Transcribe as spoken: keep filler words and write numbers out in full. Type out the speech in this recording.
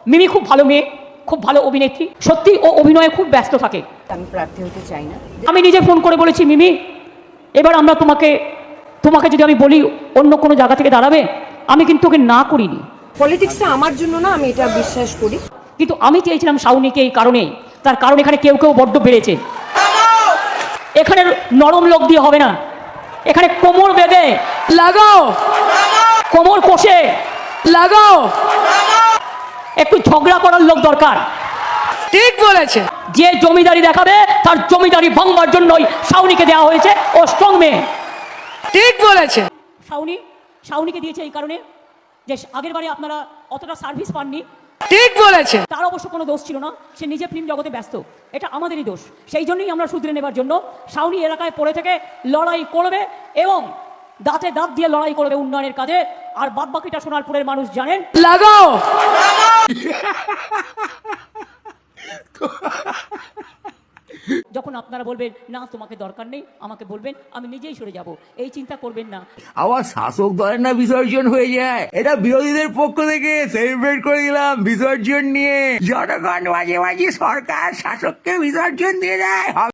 মিমি খুব ভালো মেয়ে, খুব ভালো অভিনেত্রী, সত্যি ও অভিনয়ে খুব ব্যস্ত থাকে। আমি প্রার্থী হতে চাই না। আমি নিজে ফোন করে বলেছি, মিমি এবার আমরা তোমাকে তোমাকে যদি আমি বলি অন্য কোনো জায়গা থেকে দাঁড়াবে, আমি কিন্তু ওকে না করিনি। পলিটিক্সটা আমার জন্য না, আমি এটা বিশ্বাস করি। কিন্তু আমি চেয়েছিলাম শাওনিকে এই কারণেই, তার কারণ এখানে কেউ কেউ বড্ড বেড়েছে। এখানে নরম লোক দিয়ে হবে না, এখানে কোমর বেঁধে লাগাও, কোমর কষে লাগাও, একটু ঝগড়া করার লোক দরকার। ঠিক বলেছে। যে জমিদারি দেখাবে তার জমিদারি ভাঙবার জন্যই শাওনিকে দেওয়া হয়েছে। ও স্ট্রং মেয়ে। ঠিক বলেছে। শাওনি শাওনিকে দিয়েছে এই কারণে যে আগের বারে আপনারা অতটা সার্ভিস পাননি। ঠিক বলেছে। তার অবশ্য কোনো দোষ ছিল না, সে নিজে ফিল্ম জগতে ব্যস্ত, এটা আমাদেরই দোষ। সেই জন্যই আমরা শুধরে নেবার জন্য শাওনি এলাকায় পড়ে থেকে লড়াই করবে এবং দাঁতে দাঁত দিয়ে লড়াই করবে উন্নয়নের কাজে। আর বাদ বাকিটা সোনারপুরের মানুষ জানেন। লাগাও। যখন আপনারা বলবেন না তোমাকে দরকার নেই, আমাকে বলবেন, আমি নিজেই সরে যাব, এই চিন্তা করবেন না। আবার শাসক দলের না বিসর্জন হয়ে যায়, এটা বিরোধীদের পক্ষ থেকে সেলিব্রেট করে দিলাম বিসর্জন নিয়ে। জনগণ মাঝে মাঝে সরকার শাসককে বিসর্জন দিয়ে যায়।